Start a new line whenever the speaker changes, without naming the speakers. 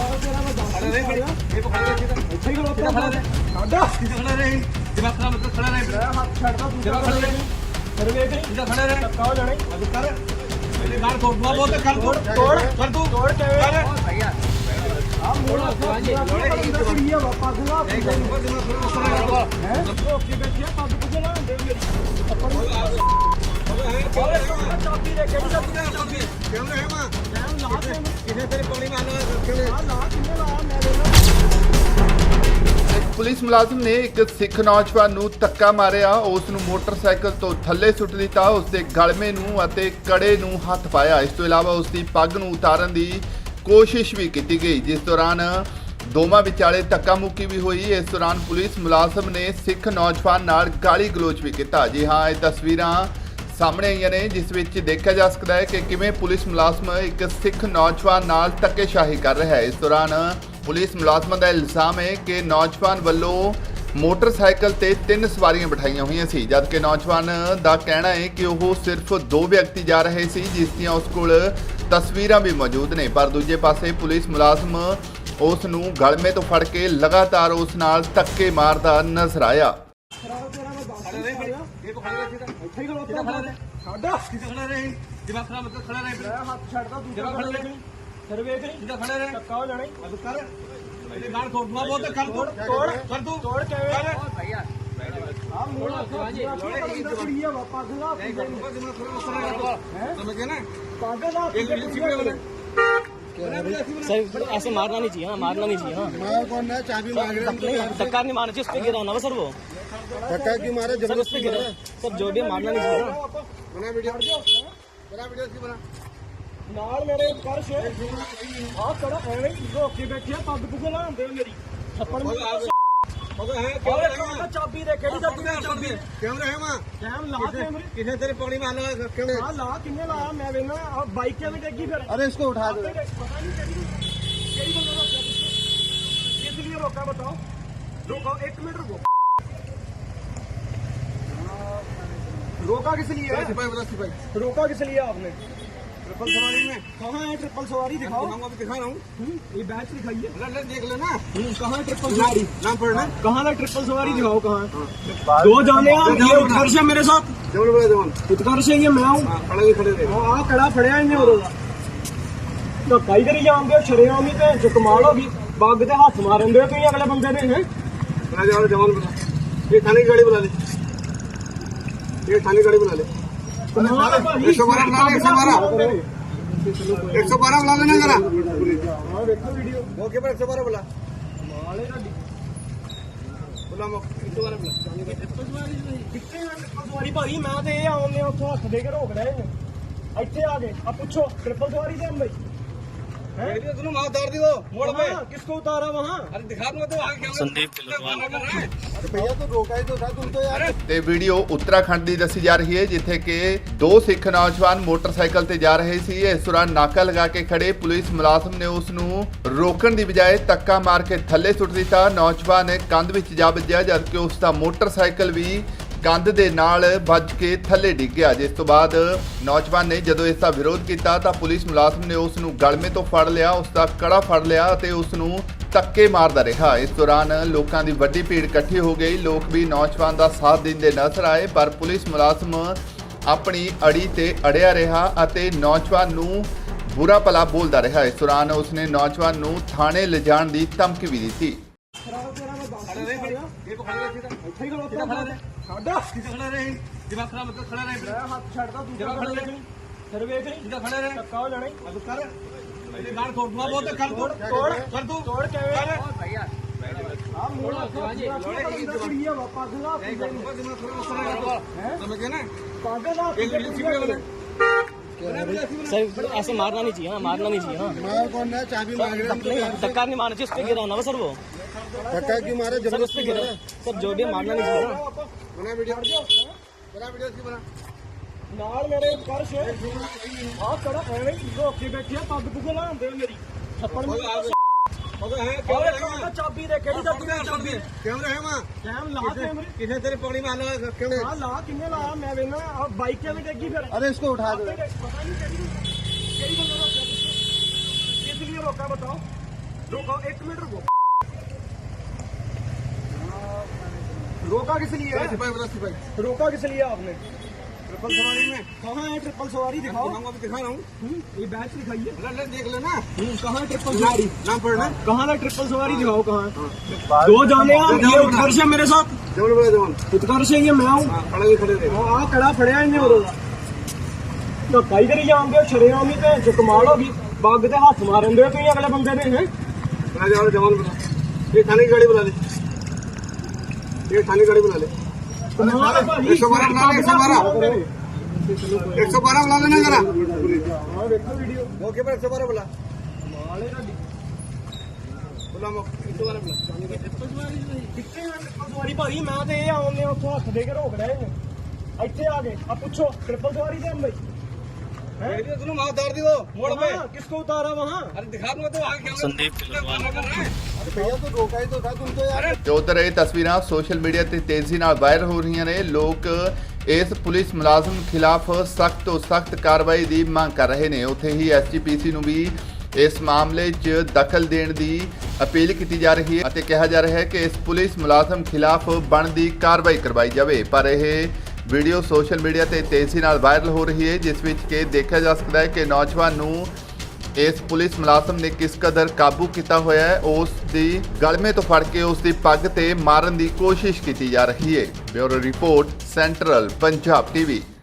Police मुलाजिम ने एक सिख नौजवान ਨੂੰ ਧੱਕਾ ਮਾਰਿਆ। ਉਸ ਨੂੰ ਮੋਟਰਸਾਈਕਲ ਤੋਂ ਥੱਲੇ ਸੁੱਟ ਦਿੱਤਾ। ਉਸ ਦੇ ਗਲਮੇ ਨੂੰ ਅਤੇ ਕੜੇ ਨੂੰ ਹੱਥ ਪਾਇਆ। ਇਸ ਤੋਂ ਇਲਾਵਾ ਉਸ ਦੀ ਪੱਗ ਨੂੰ ਉਤਾਰਨ ਦੀ ਕੋਸ਼ਿਸ਼ ਵੀ ਕੀਤੀ ਗਈ, ਜਿਸ ਦੌਰਾਨ ਦੋਵਾਂ ਵਿਚਾਲੇ ਧੱਕਾ ਮੁੱਕੀ ਵੀ ਹੋਈ। ਇਸ ਦੌਰਾਨ ਪੁਲਿਸ ਮੁਲਾਜ਼ਮ ਨੇ ਸਿੱਖ ਨੌਜਵਾਨ ਨਾਲ ਗਾਲੀ ਗਲੋਚ ਵੀ ਕੀਤਾ। ਜੀ ਹਾਂ, ਇਹ ਤਸਵੀਰਾਂ ਸਾਹਮਣੇ ਆਈਆਂ ਨੇ, ਜਿਸ ਵਿੱਚ ਦੇਖਿਆ ਜਾ ਸਕਦਾ ਹੈ ਕਿ ਕਿਵੇਂ ਪੁਲਿਸ ਮੁਲਾਜ਼ਮ ਇੱਕ ਸਿੱਖ ਨੌਜਵਾਨ ਨਾਲ ਧੱਕੇਸ਼ਾਹੀ ਕਰ ਰਿਹਾ ਹੈ। ਇਸ ਦੌਰਾਨ ਪੁਲਿਸ ਮੁਲਾਜ਼ਮਾਂ ਦਾ ਇਲਜ਼ਾਮ ਹੈ ਕਿ ਨੌਜਵਾਨ ਵੱਲੋਂ ਮੋਟਰਸਾਈਕਲ ਤੇ 3 ਸਵਾਰੀਆਂ ਬਿਠਾਈਆਂ ਹੋਈਆਂ ਸੀ, ਜਦਕਿ ਨੌਜਵਾਨ ਦਾ ਕਹਿਣਾ ਹੈ ਕਿ ਉਹ ਸਿਰਫ 2 ਵਿਅਕਤੀ ਜਾ ਰਹੇ ਸੀ, ਜਿਸ ਦੀਆਂ ਉਸ ਕੋਲ ਤਸਵੀਰਾਂ ਵੀ ਮੌਜੂਦ ਨੇ। ਪਰ ਦੂਜੇ ਪਾਸੇ ਪੁਲਿਸ ਮੁਲਾਜ਼ਮ ਉਸ ਨੂੰ ਗਲਮੇ ਤੋਂ ਫੜ ਕੇ ਲਗਾਤਾਰ ਉਸ ਨਾਲ ਧੱਕੇ ਮਾਰਦਾ ਨਜ਼ਰ ਆਇਆ।
सर ऐसे मारना नहीं चाहिए, हाँ मारना नहीं चाहिए। हाँ
कौन है? चाबी मांग रहे हैं।
धक्का नहीं मारना चाहिए, उस पे गिरा ना सर, वो
धक्का क्यों मारे?
सर उस पे गिरा सर, जो भी मारना नहीं चाहिए।
बना वीडियो, बना वीडियो की बना।
ਨਾਲ ਮੇਰੇ ਪਰਸ ਆਹ ਕੜਾ ਐਵੇਂ ਹੀ ਰੋਕੇ ਬੈਠੇ ਆ, ਪੱਗ ਪੁੱਗ ਲਾਉਂਦੇ ਮੇਰੀ ਥੱਪੜ ਚਾਬੀ ਦੇ ਕਿਹੜੀ ਚਾਬੀ
कैमरे है वहाँ?
ਕੈਮ ਲਾ ਕੈਮਰੇ
किसने तेरे पौड़ी में आना क्यों?
ਆ ਲਾ ਕਿੰਨੇ ਲਾਇਆ ਮੈਂ ਵੇਖਣਾ ਆ ਬਾਈਕ ਕਿਵੇਂ ਡੇਗੀ ਫਿਰ
अरे इसको उठा दो।
ਪਤਾ ਨਹੀਂ ਕਿਹੜੀ ਬੰਦਾ ਰੋਕਿਆ किस लिए रोका बताओ? रोको 1 मिनट रुको। रोका किस लिए है?
सिपाही बता, सिपाही
रोका किस लिए आपने?
ट्रिपल सवारी में
कहाँ है ट्रिपल सवारी दिखाओ।
अभी दिखा रहा हूँ,
ये बैच दिखाइए।
अरे देख लेना
कहाँ है ट्रिपल सवारी?
नाम पढ़ना।
कहाँ है ट्रिपल सवारी दिखाओ कहाँ है? 2 जाने ये उत्कर्ष है मेरे साथ,
जमन बोला जमन
उत्कर्ष है ये मैं हूँ।
खड़े भी खड़े रहे।
ਆ ਕੜਾ ਫੜਿਆ ਇਹਨੇ ਉਦੋਂ ਦਾ ਧੱਕਾ ਹੀ ਕਰੀ ਜਾਂਦੇ ਹੋ ਸ਼ਰੇਆਮ ਹੀ ਤੇ ਜੋ ਕਮਾਲ ਹੋ ਗਈ। ਬੱਗ ਤੇ ਹੱਥ ਮਾਰਨ ਦੇ ਤੁਸੀਂ ਅਗਲੇ ਬੰਦੇ ਦੇ ਹੈ।
बना जाओ जमन बना। ये थाने की गाड़ी बुला ले, ये थाने की गाड़ी बुला ले। 112 बुला ले, 112 112 बुला लेना जरा।
ਹਾਂ ਵੇਖੋ ਵੀਡੀਓ
मौके पर 112 बुला
ਮਾਲੇ ਤੁਹਾਡੀ
बुला 112 बुला।
ਕਿੱਥੇ ਆ ਟ੍ਰਿਪਲ ਸਵਾਰੀ ਭਾਈ? ਮੈਂ ਤੇ ਇਹ ਆਉਂਦੇ ਉੱਥੋਂ ਹੱਥ ਦੇ ਕੇ ਰੋਕ ਰਹੇ ਨੇ, ਇੱਥੇ ਆ ਗਏ ਆ ਪੁੱਛੋ ट्रिपल सवारी से हम भाई
वीडियो सुनो, वहाँ उतार दी वो मोड़ पे।
किसको उतारा वहाँ?
अरे दिखा दूंगा तो आगे कैमरा।
संदीप तिलकवाल।
अरे भैया तो रोका ही तो था तुम तो यार।
ਤੇ ਵੀਡੀਓ ਉੱਤਰਾਖੰਡ ਦੀ ਦੱਸੀ ਜਾ ਰਹੀ ਹੈ, ਜਿੱਥੇ ਕਿ 2 ਸਿੱਖ ਨੌਜਵਾਨ ਮੋਟਰਸਾਈਕਲ ਤੇ ਜਾ ਰਹੇ ਸੀ। ਇਸ ਦੌਰਾਨ ਨਾਕਾ ਲਗਾ ਕੇ ਖੜੇ ਪੁਲਿਸ ਮੁਲਾਜ਼ਮ ਨੇ ਉਸ ਨੂੰ ਰੋਕਣ ਦੀ ਬਜਾਏ ਧੱਕਾ ਮਾਰ ਕੇ ਥੱਲੇ ਸੁੱਟ ਦਿੱਤਾ। ਨੌਜਵਾਨ ਕੰਧ ਵਿੱਚ ਜਾ ਵੱਜਿਆ, ਜਦਕਿ ਉਸ ਦਾ ਮੋਟਰਸਾਈਕਲ ਵੀ ਕੰਧ ਦੇ ਨਾਲ ਵੱਜ ਕੇ ਥੱਲੇ ਡਿੱਗ ਗਿਆ। ਜਿਸ ਤੋਂ ਬਾਅਦ ਨੌਜਵਾਨ ਨੇ ਜਦੋਂ ਇਸ ਦਾ ਵਿਰੋਧ ਕੀਤਾ ਤਾਂ ਪੁਲਿਸ ਮੁਲਾਜ਼ਮ ਨੇ ਉਸ ਨੂੰ ਗਲਮੇ ਤੋਂ ਫੜ ਲਿਆ, ਉਸ ਦਾ ਕੜਾ ਫੜ ਲਿਆ ਅਤੇ ਉਸ ਨੂੰ ਧੱਕੇ ਮਾਰਦਾ ਰਿਹਾ। ਇਸ ਦੌਰਾਨ ਲੋਕਾਂ ਦੀ ਵੱਡੀ ਭੀੜ ਇਕੱਠੀ ਹੋ ਗਈ। ਲੋਕ ਵੀ ਨੌਜਵਾਨ ਦਾ ਸਾਥ ਦਿੰਦੇ ਨਜ਼ਰ ਆਏ, ਪਰ ਪੁਲਿਸ ਮੁਲਾਜ਼ਮ ਆਪਣੀ ਅੜੀ ਤੇ ਅੜਿਆ ਰਿਹਾ ਅਤੇ ਨੌਜਵਾਨ ਨੂੰ ਬੁਰਾ ਭਲਾ ਬੋਲਦਾ ਰਿਹਾ। ਇਸ ਦੌਰਾਨ ਉਸਨੇ ਨੌਜਵਾਨ ਨੂੰ ਥਾਣੇ ਲਿਜਾਣ ਦੀ ਧਮਕੀ ਵੀ ਦਿੱਤੀ।
ਸਾਡਾ
खड़े रहे, दिमाग खराब मत कर, खड़े रहे।
ਮੈਂ ਹੱਥ ਛੱਡਦਾ ਦੂਜਾ ਖੜੇ ਰਹੇ ਫਿਰ ਵੇਖ ਲਈ
सीधा खड़े रहे।
ਧੱਕਾ ਹੋ ਜਾਣਾ ਈ।
अब कर मेरे गाड़ तोड़ दूंगा, बहुत कर तोड़
ਤੋੜ
कर तू
ਤੋੜ ਕਿਵੇਂ ਆ ਮੋੜ ਕੁੜੀ ਆ ਪੱਗ ਲਾ
समझ गए ना?
ਪੱਗ ਲਾ
एक वीडियो सीधे बोले।
सर ऐसे मारना नहीं चाहिए, हाँ मारना नहीं चाहिए। हाँ
मार कौन है? चाबी मांग रहे हैं।
धक्का नहीं मारना चाहिए, उस पे गिरा ना सर, वो
धक्का क्यों मारे?
सर उस पे गिरा सर, जो भी मारना नहीं चाहिए। हाँ
बना वीडियो, बना वीडियो की बना।
ਨਾਲ ਮੇਰੇ ਪਰਸ ਆ ਕੜਾ ਐਵੇਂ ਹੀ ਰੋਕੇ ਬੈਠੇ ਆ, ਪੱਗ ਪੁੱਗ ਲਾਉਂਦੇ ਮੇਰੀ ਥੱਪੜ
मगर है
ਉਹ ਚਾਬੀ ਦੇ ਕਿਹੜੀ ਚਾਬੀ
कैमरे है वहाँ?
ਕੈਮ ਲਾ ਕੈਮਰੇ
किसने तेरे पौड़ी में आना क्यों?
ਆ ਲਾ ਕਿੰਨੇ ਲਾਇਆ ਮੈਂ ਵੇਖਣਾ ਆ ਬਾਈਕ ਕਿਵੇਂ ਡੇਗੀ ਫਿਰ
अरे इसको उठा दो।
पता नहीं किस लिए रोका बताओ? रुको 1 मिनट रुको रोका किस लिए है
सिपाही बोला सिपाही
रोका किस लिए आपने
ट्रिपल सवारी में
कहाँ है ट्रिपल सवारी दिखाओ
दिखाऊंगा भी दिखा रहा हूँ
ये बैच दिखाइए
ले देख लेना
कहाँ है ट्रिपल सवारी
नाम पढ़ना
कहाँ है ट्रिपल सवारी दिखाओ कहाँ है दो जाने आप ये उत्कर्ष है मेरे साथ
जवान बोला जवान
उत्कर्ष है ये मैं हूँ
खड़े भी खड़े रहे
आ कड़ा फड़िया इन्हें उरोगा तो कई करी जाओगे शरेआम ही तो कमाल होगी बाग दे हाथ मारन दे तुम अगले बंदे ने हैं
जवान बोला ये थाने की गाड़ी बुला ले ये थाने की गाड़ी बुला ले 112 बुला ले 112 बुला लेना जरा
देखो वीडियो
मौके पर 112 बुला बुला 112 बुला
ਕਿੱਥੇ ਆ ਟ੍ਰਿਪਲ ਸਵਾਰੀ ਭਾਈ ਮੈਂ ਤੇ ਇਹ ਆਉਂਦੇ ਉੱਥੋਂ ਹੱਥ ਦੇ ਕੇ ਰੋਕ ਰਹੇ ਨੇ ਇੱਥੇ ਆ ਗਏ ਆ ਪੁੱਛੋ ट्रिपल सवारी दे हम भाई
तुम वहाँ उतार दी वो मोड़ पे
हाँ, किसको उतारा वहाँ
अरे दिखा दूंगा तो आगे क्या
संदीप
भैया तो रोका ही तो था तुम तो यार
ਤੇ ਉਧਰ ਇਹ ਤਸਵੀਰਾਂ ਸੋਸ਼ਲ ਮੀਡੀਆ ਤੇ ਤੇਜ਼ੀ ਨਾਲ ਵਾਇਰਲ ਹੋ ਰਹੀਆਂ ਨੇ। ਲੋਕ ਇਸ ਪੁਲਿਸ ਮੁਲਾਜ਼ਮ ਖਿਲਾਫ ਸਖਤ ਤੋਂ ਸਖਤ ਕਾਰਵਾਈ ਦੀ ਮੰਗ ਕਰ ਰਹੇ ਨੇ। ਉੱਥੇ ਹੀ ਐਸਜੀਪੀਸੀ ਨੂੰ ਵੀ ਇਸ ਮਾਮਲੇ 'ਚ ਦਖਲ ਦੇਣ ਦੀ ਅਪੀਲ ਕੀਤੀ ਜਾ ਰਹੀ ਹੈ ਅਤੇ ਕਿਹਾ ਜਾ ਰਿਹਾ ਹੈ ਕਿ ਇਸ ਪੁਲਿਸ ਮੁਲਾਜ਼ਮ ਖਿਲਾਫ ਬਣਦੀ ਕਾਰਵਾਈ ਕਰਵਾਈ ਜਾਵੇ। ਪਰ ਇਹ ਵੀਡੀਓ ਸੋਸ਼ਲ ਮੀਡੀਆ ਤੇ ਤੇਜ਼ੀ ਨਾਲ ਵਾਇਰਲ ਹੋ ਰਹੀ ਹੈ, ਜਿਸ ਵਿੱਚ ਕਿ ਦੇਖਿਆ ਜਾ ਸਕਦਾ ਹੈ ਕਿ ਨੌਜਵਾਨ ਨੂੰ ਇਸ ਪੁਲਿਸ ਮੁਲਾਜ਼ਮ ਨੇ ਕਿਸ ਕਦਰ ਕਾਬੂ ਕੀਤਾ ਹੋਇਆ ਹੈ। ਉਸ ਦੀ ਗਲਮੇ ਤੋਂ ਫੜ ਕੇ ਉਸ ਦੀ ਪੱਗ ਤੇ ਮਾਰਨ ਦੀ ਕੋਸ਼ਿਸ਼ ਕੀਤੀ ਜਾ ਰਹੀ ਹੈ। Bureau report central Punjab TV.